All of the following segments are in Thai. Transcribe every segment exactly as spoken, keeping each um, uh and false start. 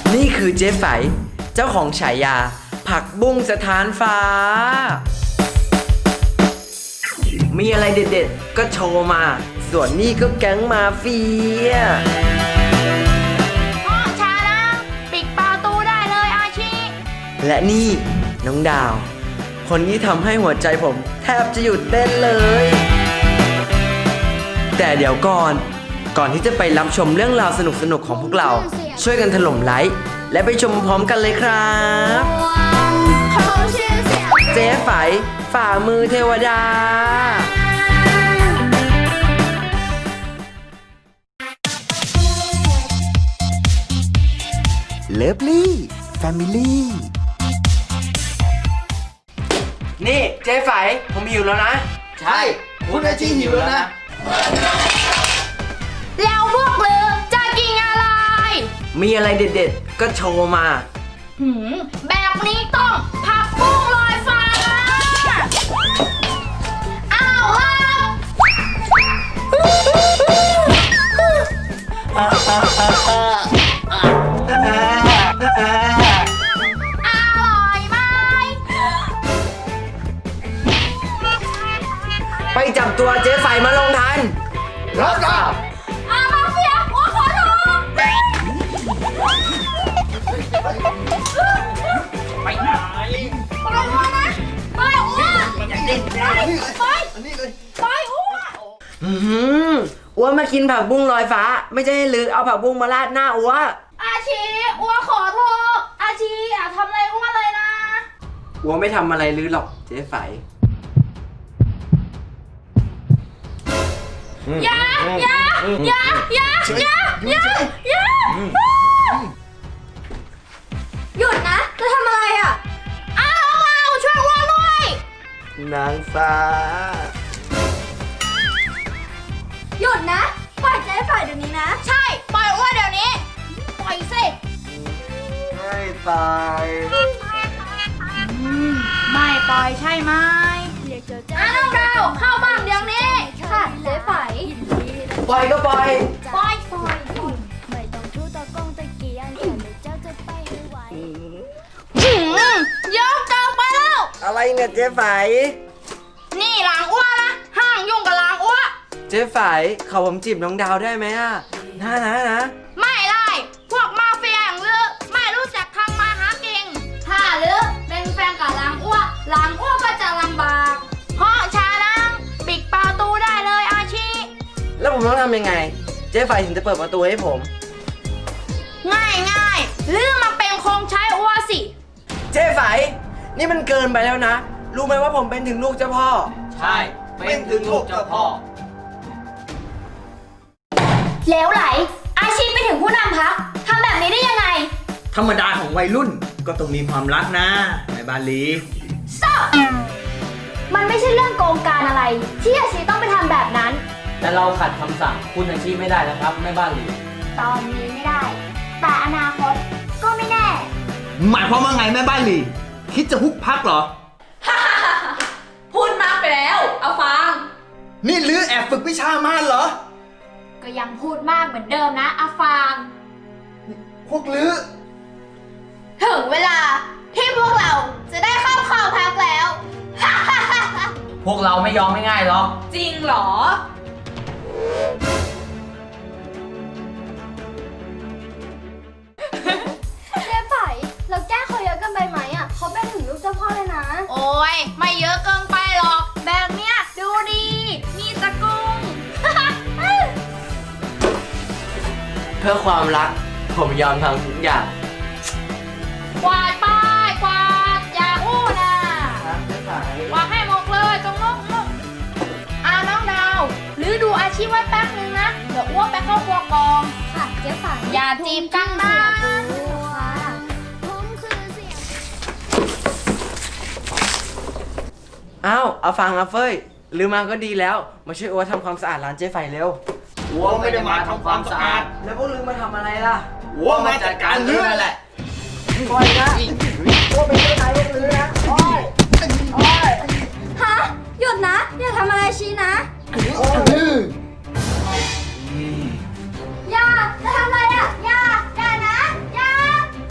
นี่คือเจ๊ไฝเจ้าของฉายาผักบุ้งสถานฟ้ามีอะไรเด็ดๆก็โชว์มาส่วนนี่ก็แก๊งมาเฟียพ่อชาลังปิดประตูได้เลยอาชีและนี่น้องดาวคนที่ทำให้หัวใจผมแทบจะหยุดเต้นเลย แต่เดี๋ยวก่อนก่อนที่จะไปรับชมเรื่องราวสนุกๆของพวกเราช่วยกันถล่มไลค์และไปชมพร้อมกันเลยครับเจ๊ไฝฝ่ามือเทวดาเลิฟลี่แฟมิลี่นี่เจ๊ไฝผมหิวแล้วนะใช่คุณอาชีหิวแล้วนะแล้วพวกลือจะกินอะไรมีอะไรเด็ดๆก็โชว์มาหืมแบบนี้ต้องผักบุ้งลอยฟ้าอ้าวครับอร่อยไหมไปจับตัวเจ๊ไฝมาลงทันรับทราบอามาเฟียหัวขอโทษไปไหนไปอ้วนนะไปอ้วนไปไปไปอ้วนอืมอ้วนมากินผักบุ้งลอยฟ้าไม่ใช่ให้ลือเอาผักบุ้งมาราดหน้าอ้วอาชีอ้วขอโทษอาชีอย่าทำอะไรอ้วนเลยนะอ้วไม่ทำอะไรลือหรอกเจ๊ไฝอย่าอย่าอย่าอย่าอย่าอย่าอย่าหยุดนะจะทำอะไรอ่ะอ้าวเอาช่วยอ้วนด้วยนางฟ้าหยุดนะปล่อยเจ๊ไฝเดี๋ยวนี้นะใช่ปล่อยอ้วนเดี๋ยวนี้ปล่อยสิไม่ตายไม่ปล่อยใช่ไหมอ้าวเราเข้าบ้านเดี๋ยวนี้ค่ะเจ๊ไฝปล่อยก็ปล่อยปล่อยปล่อยไม่ต้องทูตะกงตะเกียงแต่เจ้าจะไปให้ไหวเยอะเกินไปแล้วอะไรเนี่ยเจ๊ไฝนี่หลังอ้วนนะห้างยุ่งกับหลังอ้วนเจ๊ไฝเขาผมจีบน้องดาวได้ไหมอ่ะนะนะนะไม่ได้พวกมาเฟียอย่างลือไม่รู้จักทางมาหาเก่งถ้าลือเป็นแฟนกับหลังอ้วนหลังอ้วนก็จะลำบากเพราะชาลังปิดประตูได้เลยอาชีแล้วผมต้องทำยังไงเจ๊ไฝถึงจะเปิดประตูให้ผมง่ายง่ายลือมาเป็นคงใช้อ้วนสิเจ๊ไฝนี่มันเกินไปแล้วนะรู้ไหมว่าผมเป็นถึงลูกเจ้าพ่อใช่เป็นถึงลูกเจ้าพ่อแล้วไหลอาชีพไปถึงผู้นำพักทำแบบนี้ได้ยังไงธรรมดาของวัยรุ่นก็ต้องมีความรักนะในบาลีสอบมันไม่ใช่เรื่องโกงการอะไรที่อาชีพต้องไปทำแบบนั้นแต่เราขัดคำสั่งคุณอาชีพไม่ได้นะครับแม่บ้านลีตอนนี้ไม่ได้แต่อนาคตก็ไม่แน่หมายความว่าไงแม่บ้านลีคิดจะฮุบพักเหรอพูดมากไปแล้วเอาฟังนี่ลือแอบฝึกวิชามารเหรอก็ยังพูดมากเหมือนเดิมนะอาฟางพวกลือถึงเวลาที่พวกเราจะได้เข้าข่าวพักแล้วพวกเราไม่ยอมไม่ง่ายหรอกจริงเหรอเจ๊ไฝเราแก้เขาเยอะกันไปไหมอ่ะเขาเป็นถึงลูกเจ้าพ่อเลยนะโอ้ยไม่เยอะเกินไปหรอกแบบเนี้ยดูดีมีตะกุ้งเพื่อความรักผมยอมทำทุกอย่างกวาดป้ายกวาดอย่าอู้นะกวาดให้หมดเลยตรงนู้นอ่าน้องดาวหรือดูอาชีพไว้แป๊บนึงนะเดี๋ยวอ้วกไปเข้าครัวกองค่ะเจ๊ไฝอย่าจีบกันนะอ้าวเอาฟังอาเฟยลืมมาก็ดีแล้วมาช่วยอ้วทำความสะอาดร้านเจ๊ไฝเร็วอ้วไม่ได้มาทำความสะอาดแล้วพวกลืมมาทำอะไรล่ะอ้วมาจัดการลือนั่นแหละปล่อยนะอ้วเป็นเจ้านายพวกลือนะโอ้ยโอ้ยฮะหยุดนะอย่าทำอะไรชี้นะอย่าจะทำอะไรอ่ะอย่าอย่านะอย่า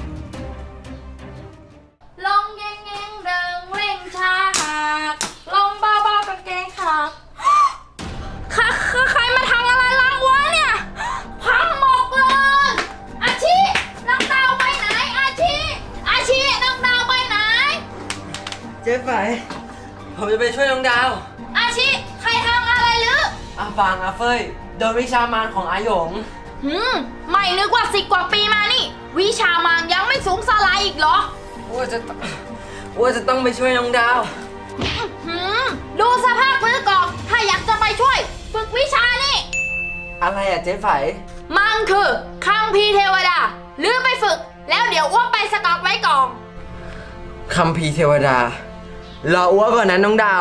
ไฝผมจะไปช่วยน้องดาวอาชิ ใครทำอะไรหรืออาฟางอาเฟยโดนวิชามารของอาหยงหืม ไม่นึกว่าสิบกว่าปีมานี่ วิชามางยังไม่สูงสลายอีกเหรอว่าจะว่าจะต้องไปช่วยน้องดาวหืม ดูสภาพมือก่อนถ้าอยากจะไปช่วย ฝึกวิชานี่อะไรอะเจ๊ไฝมันคือคัมภีร์เทวดาหรือไปฝึก แล้วเดี๋ยวอ้วกไปสต็อกไว้ก่อนคัมภีร์เทวดา รออ้วกก่อนนะน้องดาว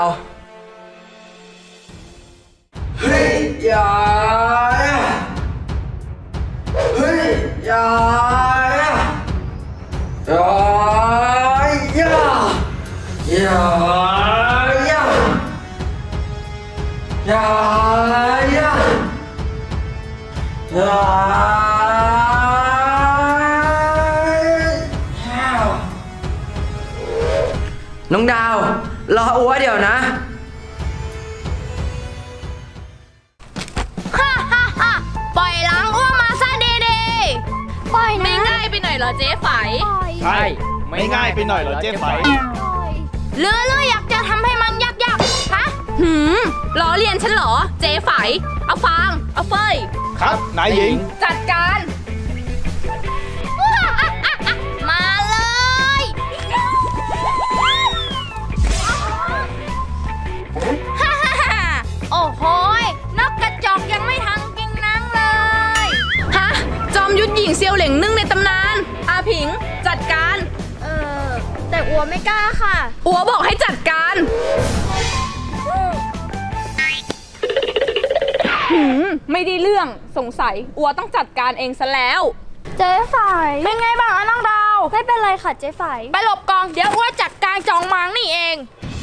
เฮ้ยอย่าเฮ้ยอย่าอย่าอย่าอย่าอย่าอย่าอย่าอย่า น้องดาว รออัวเดี๋ยวนะฮ่าฮ่าฮ่าปล่อยหลังอ้วกมาซะดีๆปล่อยนะไม่ง่ายไปหน่อยเหรอเจ๊ไฝใช่ ไม่ง่ายไปหน่อยเหรอเจ๊ไฝหรือหรืออยากจะทำให้มันยากๆ ฮะ หืมล้อเลียนฉันเหรอ เจ๊ไฝ เอาฟาง เอาเฟยครับนายหญิงจัดการ มาเลย ฮ่าฮ่าฮ่าโอ้โหยนกกระจอกยังไม่ทันกินนังเลย ฮะ จอมยุทธหญิงเซียวเหล่งนึ่งในตำนาน อาผิง จัดการเออแต่อัวไม่กล้าค่ะอัวบอกให้จัดการ หืม ไม่ได้เรื่องสงสัย อัวต้องจัดการเองซะแล้วเจ๊ไฝเป็นไงบ้างอะน้องดาวไม่เป็นไรค่ะเจ๊ไฝไปหลบกองเดี๋ยวอัวจัดการจองมังนี่เอง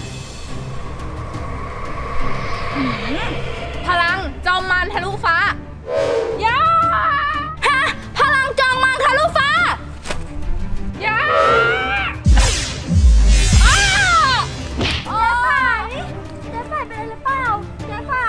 หืมพลังจอมมารทะลุฟ้าย่าฮะพลังจองมังทะลุฟ้าย่าอ้าเจ๊ไฝเจ๊ไฝเป็นอะไรหรือเปล่าเจ๊ไฝ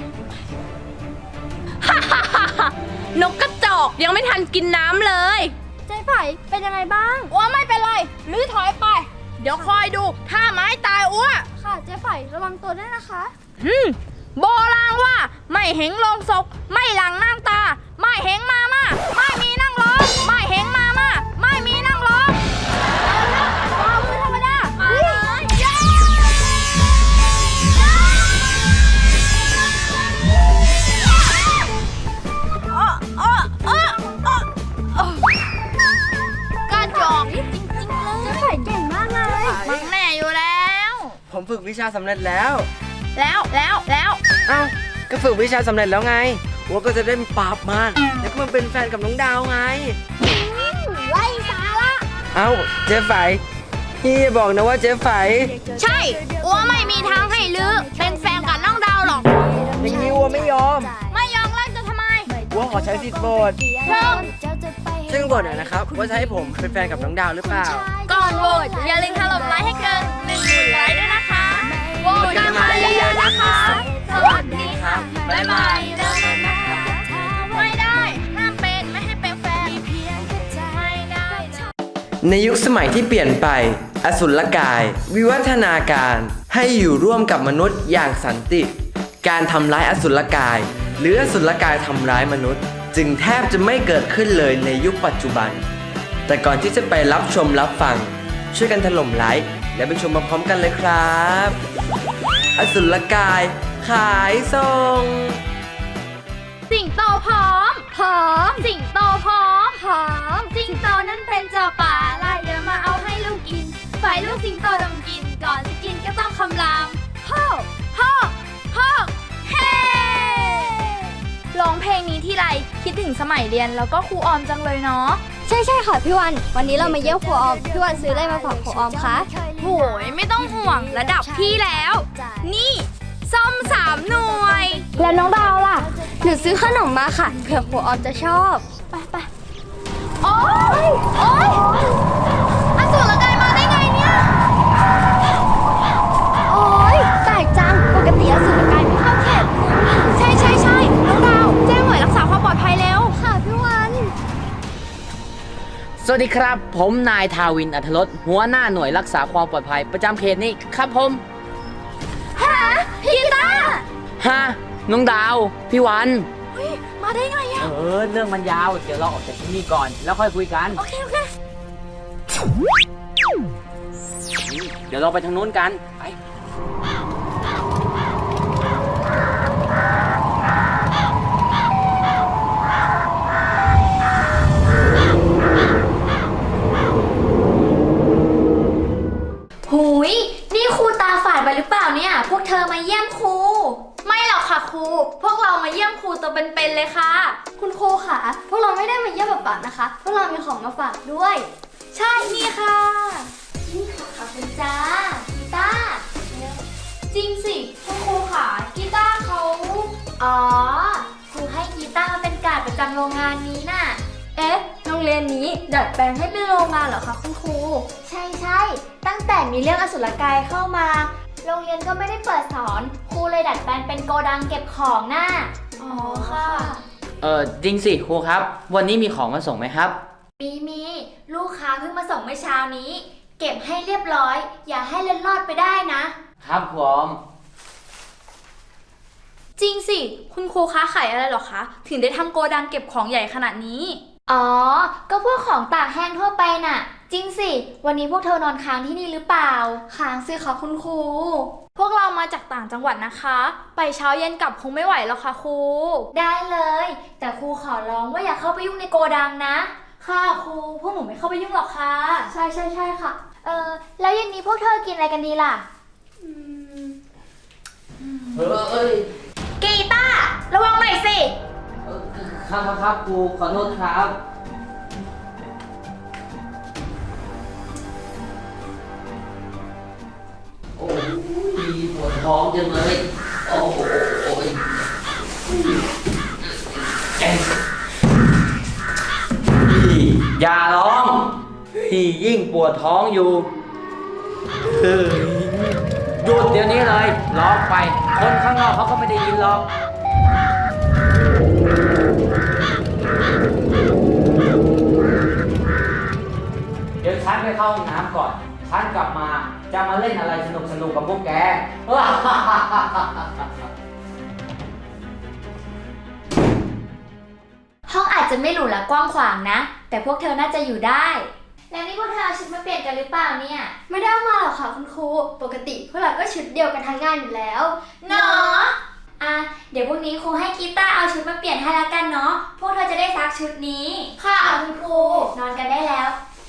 ฮ่าฮ่าฮ่าฮ่านกกระจอกยังไม่ทันกินน้ำเลยเจ๊ไฝเป็นยังไงบ้างอัวไม่เป็นไรลื้อถอยไป เดี๋ยวคอยดูถ้าไม้ตายอัวค่ะเจ๊ไฝระวังตัวด้วยนะคะอืมโบราณว่าไม่เห็นลงศพไม่หลังนั่งตา ไม่เห็นมามาไม่มีนั่งร้องไม่เห็นมามาไม่มีนั่งร้องเอาละเอามือธรรมดามาเลยย้าอ้ออ้ออ้ออ้ออ้อกระจอกจริงๆเลยเจ๊ไฝเก่งมากเลยมันแน่อยู่แล้วผมฝึกวิชาสำเร็จแล้วแล้วแล้วแล้วเอ้า ก็ฝึกวิชาสำเร็จแล้วไงอัวก็จะได้ปราบมารแล้วก็มาเป็นแฟนกับน้องดาวไงไล่สาระเอ้า เจ๊ไฝพี่อย่าบอกนะว่าเจ๊ไฝใช่อัวไม่มีทางให้ลือเป็นแฟนกับน้องดาวหรอกอย่างนี้อัวไม่ยอมไม่ยอมเล่นจะทำไมอัวขอใช้สิทธิ์โบสเชิญซึ่งโบสหน่อยนะครับว่าจะให้ผมเป็นแฟนกับน้องดาวหรือเปล่าก่อนโหวตอย่าลืมถล่มไลค์ให้เกินหนึ่งหมื่นไลค์ด้วยนะคะโหวตกันมาเยอะๆนะคะ สวัสดีค่ะ บ๊ายบายไม่ได้ห้ามเป็นไม่ให้เป็นแฟนไม่ได้นะในยุคสมัยที่เปลี่ยนไป อสุรกาย วิวัฒนาการให้อยู่ร่วมกับมนุษย์อย่างสันติ การทำร้ายอสุรกาย หรืออสุรกายทำร้ายมนุษย์ จึงแทบจะไม่เกิดขึ้นเลยในยุคปัจจุบัน แต่ก่อนที่จะไปรับชมรับฟัง ช่วยกันถล่มไลค์และไปชมมาพร้อมกันเลยครับ อสุรกาย ขายส่งสิงโตพร้อมพร้อมสิงโตพร้อมพร้อมสิงโตนั้นเป็นเจ้าป่าไล่เดี๋ยวมาเอาให้ลูกกินฝ่ายลูกสิงโตต้องกิน ก่อนจะกินก็ต้องคำรามฮ่อฮ่อฮ่อเฮ้ร้องเพลงนี้ที่ไรคิดถึงสมัยเรียนแล้วก็ครูออมจังเลยเนาะใช่ใช่ค่ะพี่วัน วันนี้เรามาเยี่ยมครูออม พี่วันซื้ออะไรมาฝากครูออมคะโหยไม่ต้องห่วงระดับพี่แล้ว นี่ส้มสามหน่วยแล้วน้องดาวล่ะ หนูซื้อขนมมาค่ะ เผื่อครูออมจะชอบ ไปไปโอ๊ยโอ๊ยอสูรกายมาได้ไงเนี่ยโอ๊ยแปลกจัง ปกติอสุรกายไม่เข้าเขตใช่ใช่ใช่น้องดาวแจ้งหน่วยรักษาความปลอดภัยเร็วค่ะพี่วันสสวัสดีครับ ผมนายทาวินอัธรสหัวหน้าหน่วยรักษาความปลอดภัยประจำเขตนี้ครับผมฮะพี่กีตาร์ฮะน้องดาว พี่วันเฮ้ยมาได้ไงอะเออ เรื่องมันยาว เดี๋ยวเราออกจากที่นี่ก่อน แล้วค่อยคุยกันโอเคโอเคเดี๋ยวเราไปทางนู้นกัน ไปหุยนี่ครูตาฝาดไปหรือเปล่าเนี่ย พวกเธอมาเยี่ยมครูไม่หรอกค่ะครู พวกเรามาเยี่ยมครูตัวเป็นๆเลยค่ะคุณครูค่ะ พวกเราไม่ได้มาเยี่ยมแบบปากนะคะ พวกเรามีของมาฝากด้วยใช่นี่ค่ะนี่ค่ะขอบคุณจ้ากีตาร์จริงสิคุณครูค่ะกีตาร์เขาอ๋อ ครูให้กีตาร์มาเป็นการดประจำโรงงานนี้น่ะ เอ๊ะ โรงเรียนนี้ดัดแปลงให้เป็นโรงงานเหรอคะคุณครู ใช่ใช่ ตั้งแต่มีเรื่องอสุรกายเข้ามา โรงเรียนก็ไม่ได้เปิดสอน ครูเลยดัดแปลงเป็นโกดังเก็บของน่ะอ๋อค่ะเออจริงสิครูครับ วันนี้มีของมาส่งไหมครับมีมีลูกค้าเพิ่งมาส่งเมื่อเช้านี้ เก็บให้เรียบร้อย อย่าให้เล็ดลอดไปได้นะครับผมจริงสิคุณครูค้าขายอะไรเหรอคะ ถึงได้ทำโกดังเก็บของใหญ่ขนาดนี้อ๋อ ก็พวกของตากแห้งทั่วไปน่ะ จริงสิ วันนี้พวกเธอนอนค้างที่นี่หรือเปล่า ค้างสิคะคุณครูพวกเรามาจากต่างจังหวัดนะคะ ไปเช้าเย็นกลับคงไม่ไหวแล้วค่ะครูได้เลย แต่ครูขอร้องว่าอย่าเข้าไปยุ่งในโกดังนะค่ะครูพวกหนูไม่เข้าไปยุ่งหรอกค่ะใช่ใช่ใช่ค่ะ เออ แล้วเย็นนี้พวกเธอกินอะไรกันดีล่ะเออเอ้ยกีตาร์ระวังหน่อยสิเออครับครับครับครูขอโทษครับ โอ้ยปวดท้องจังเลย โอ้โหแกอย่าร้องพี่ยิ่งปวดท้องอยู่เฮ้ยหยุดเดี๋ยวนี้เลยร้องไป คนข้างนอกเขาก็ไม่ได้ยินหรอก เดี๋ยวฉันไปเข้าห้องน้ำก่อน ฉันกลับมาจะมาเล่นอะไรสนุกสนุกกับพวกแกห้องอาจจะไม่หรูหรากว้างขวางนะ แต่พวกเธอน่าจะอยู่ได้ แล้วนี่พวกเธอเอาชุดมาเปลี่ยนกันหรือเปล่าเนี่ย ไม่ได้เอามาหรอกค่ะคุณครู ปกติพวกเราก็ชุดเดียวกันทั้งงานอยู่แล้วเนาะอ่ะ เดี๋ยวพรุ่งนี้ครูให้กีตาร์เอาชุดมาเปลี่ยนให้ละกันเนาะ พวกเธอจะได้ซักชุดนี้ค่ะคุณครู นอนกันได้แล้ว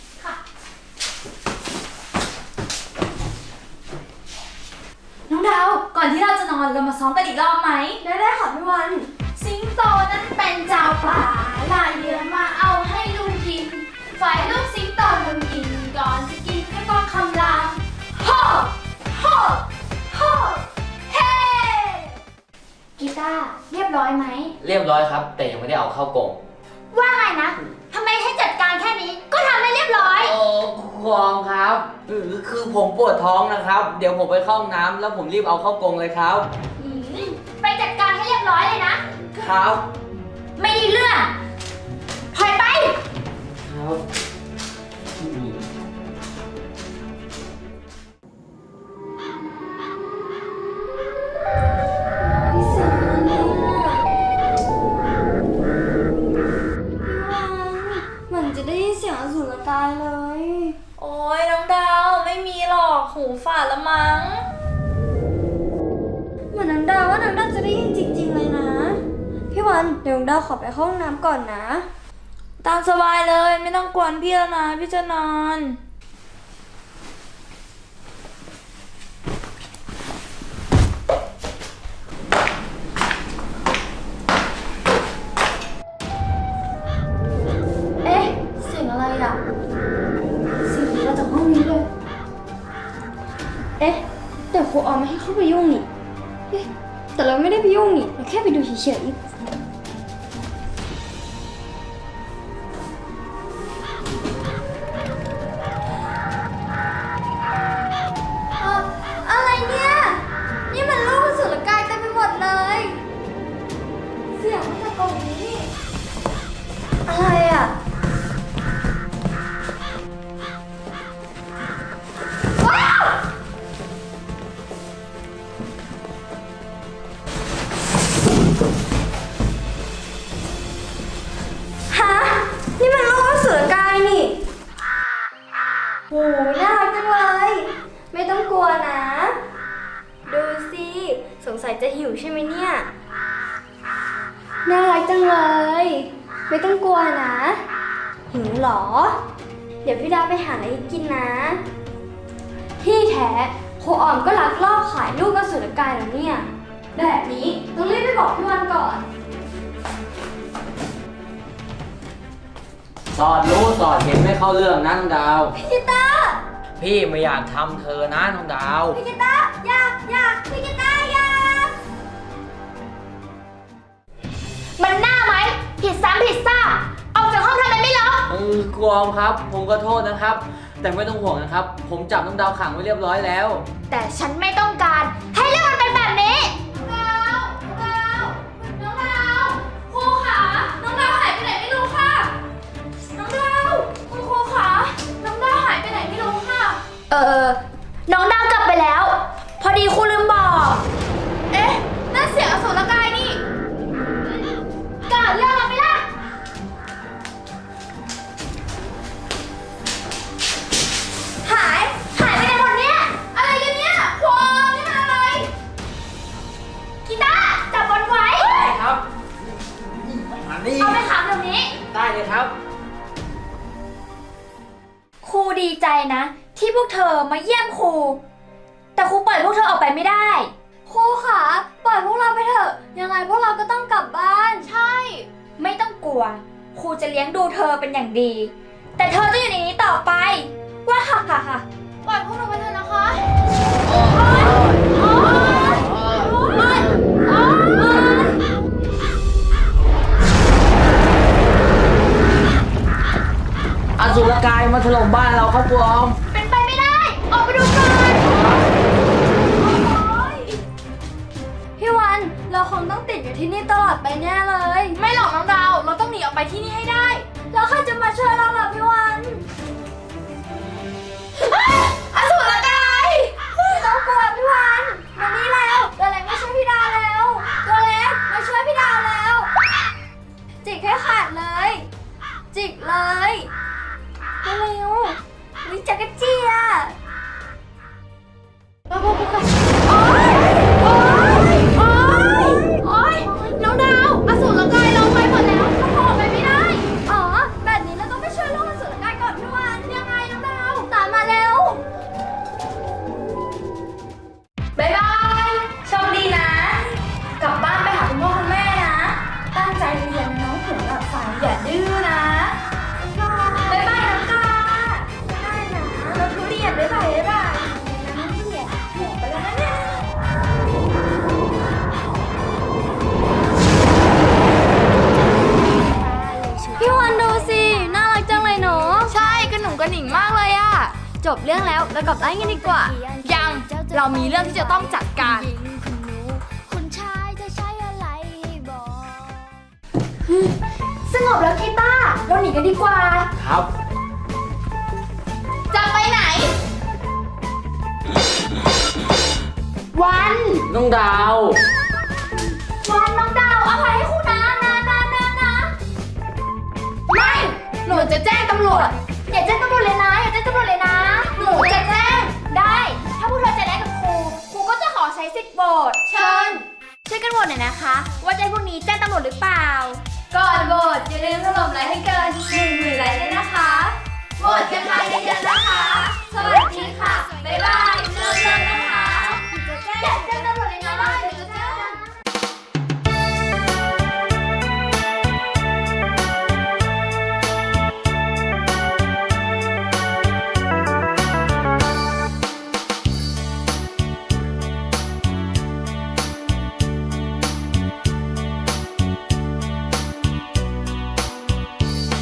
น้องดาว ก่อนที่เราจะนอนเรามาซ้อมกันอีกรอบไหมได้ได้ค่ะพี่วันสิงโตนั้นเป็นเจ้าป่าลายเดือมาเอาให้ลุงกิน ฝ่ายลูกสิงโตลุงกิน ก่อนจะกินก็ต้องคำรามโฮ่โฮ่โฮ่เฮ้กีตาร์เรียบร้อยไหมเรียบร้อยครับ แต่ยังไม่ได้เอาเข้ากล่องว่าไงนะ ทำไมให้จัดการแค่นี้ ก็ทำให้เรียบร้อยโอ้ครองครับเออคือผมปวดท้องนะครับ เดี๋ยวผมไปเข้าห้องน้ำแล้วผมรีบเอาเข้ากรงเลยครับอืมไปจัดการให้เรียบร้อยเลยนะครับไม่ได้เรื่องถอยไปครับอืมเหมือนจะได้ยินเสียงอสุรกายเลยโอ้ยน้องดาวไม่มีหรอกหูฝาดละมั้งเหมือนน้องดาวว่าน้องดาวจะได้ยินจริงๆเลยนะ พี่วันเดี๋ยวน้องดาวขอไปเข้าห้องน้ำก่อนนะตามสบายเลยไม่ต้องกวนพี่แล้วนะพี่จะนอนเอ๊ะ เสียงอะไรอ่ะ เสียงมาจากห้องนี้เลย เอ๊ะ แต่ครูออมไม่ให้เข้าไปยุ่งนี่เอ๊ะแต่เราไม่ได้ไปยุ่งนี่เราแค่ไปดูเฉยๆอะอะไรเนี่ย นี่มันรูปอสุรกายเต็มไปหมดเลย เสียงมาจากกล่องนี้นี่อะไรอ่ะโหน่ารักจังเลย ไม่ต้องกลัวนะ ดูสิ สงสัยจะหิวใช่ไหมเนี่ย น่ารักจังเลย ไม่ต้องกลัวนะ หิวเหรอ เดี๋ยวพี่ดาไปหาอะไรกินนะ ที่แท้ครูออมก็ลักลอบขายลูกอสุรกายแล้วเนี่ย แบบนี้ต้องรีบไปบอกพี่วันก่อนสอดรู้สอดเห็นไม่เข้าเรื่องนะน้องดาวพี่กีตาร์พี่ไม่อยากทำเธอนะน้องดาวพี่กีตาร์อยากอยากพี่กีตาร์อยากมันหน้าไหม ผิดซ้ำผิดซ่าออกจากห้องทำไมไม่ล็อกเออกรอมครับ ผมก็โทษนะครับ แต่ไม่ต้องห่วงนะครับ ผมจับน้องดาวขังไว้เรียบร้อยแล้วแต่ฉันไม่ต้องการให้เรื่องมันเป็นแบบนี้น้องดาวน้องดาวน้องดาวครูขาน้องดาวหายไปไหนไม่รู้ค่ะ น้องดาวคุณครูขาน้องดาวหายไปไหนไม่รู้ค่ะ เออ น้องดาวกลับไปแล้ว พอดีครูลืมบอก เอ๊ะนั่นเสียงอสุรกายนี่กาดเรื่องเราไม่ได้ หาย หายไปไหนหมดเนี่ย อะไรกันเนี่ยพวงนี่มันอะไร กีตาร์จับบอลไว้ได้ครับมานี่เอาไปขังเดี๋ยวนี้ได้เลยครับครูดีใจนะ ที่พวกเธอมาเยี่ยมครู แต่ครูปล่อยพวกเธอออกไปไม่ได้ครูขาปล่อยพวกเราไปเถอะ ยังไงพวกเราก็ต้องกลับบ้านใช่ ไม่ต้องกลัว ครูจะเลี้ยงดูเธอเป็นอย่างดี แต่เธอจะอยู่ในนี้ต่อไป ว่าฮ่าฮ่าฮ่าปล่อยพวกเราไปเถอะนะคะโอ๊ยโอ๊ยโอ๊ยโอ๊ยโอ๊ยอสุรกายมาถล่มบ้านเราครับครูออมเป็นไปไม่ได้ ออกไปดูก่อนพี่วันเราคงต้องติดอยู่ที่นี่ตลอดไปแน่เลยไม่หรอกน้องดาว เราต้องหนีออกไปที่นี่ให้ได้แล้วใครจะมาช่วยเราล่ะพี่วันอสุรกายไม่ต้องกลัวพี่วันมานี่แล้วตัวเล็กมาช่วยพี่ดาวแล้วตัวเล็กมาช่วยพี่ดาวแล้ว จิกให้ขาดเลย จิกเลยเร็วๆวิจักรจี้อ่ะโอ๊ย โอ๊ย โอ๊ย โอ๊ย น้องดาว อสูรกายเราไปหมดแล้วเขาออกไปไม่ได้อ๋อแบบนี้เราต้องไปช่วยลูกอสุรกายก่อนพี่วันยังไงน้องดาวตามมาเร็วบ๊ายบาย โชคดีนะ กลับบ้านไปหาคุณพ่อคุณแม่นะ ตั้งใจเรียนนะน้องถึงหลับฝันอย่าดื้อนะบ๊ายบายน้องกาได้นะเราทุเรียนบ๊ายบายบ๊ายบายน้ำทุเรียนหัวไปแล้วนะเนี่ยพี่วันดูสิน่ารักจังเลยเนาะใช่กระหนุ่งกระหนิ่งมากเลยอะจบเรื่องแล้วเรากลับบ้านกันดีกว่ายัง เรามีเรื่องที่จะต้องจัดการคุณชายจะใช้อะไรบอกสงบแล้วกีตาร์เราหนีกันดีกว่าครับจะไปไหน วันน้องดาววันน้องดาวอภัยให้ครูนะนะนะนะนะไม่ หนูจะแจ้งตำรวจ อย่าแจ้งตำรวจเลยนะ อย่าแจ้งตำรวจเลยนะ หนูจะแจ้ง ได้ ถ้าพวกเธอจะได้กับครู ครูก็จะขอใช้สิทธิ์โหวตเชิญ ช่วยกันโหวตหน่อยนะคะ ว่าจะให้พวกนี้แจ้งตำรวจหรือเปล่า ก่อนโหวตอย่าลืมถล่มไลค์ให้เกินหนึ่ง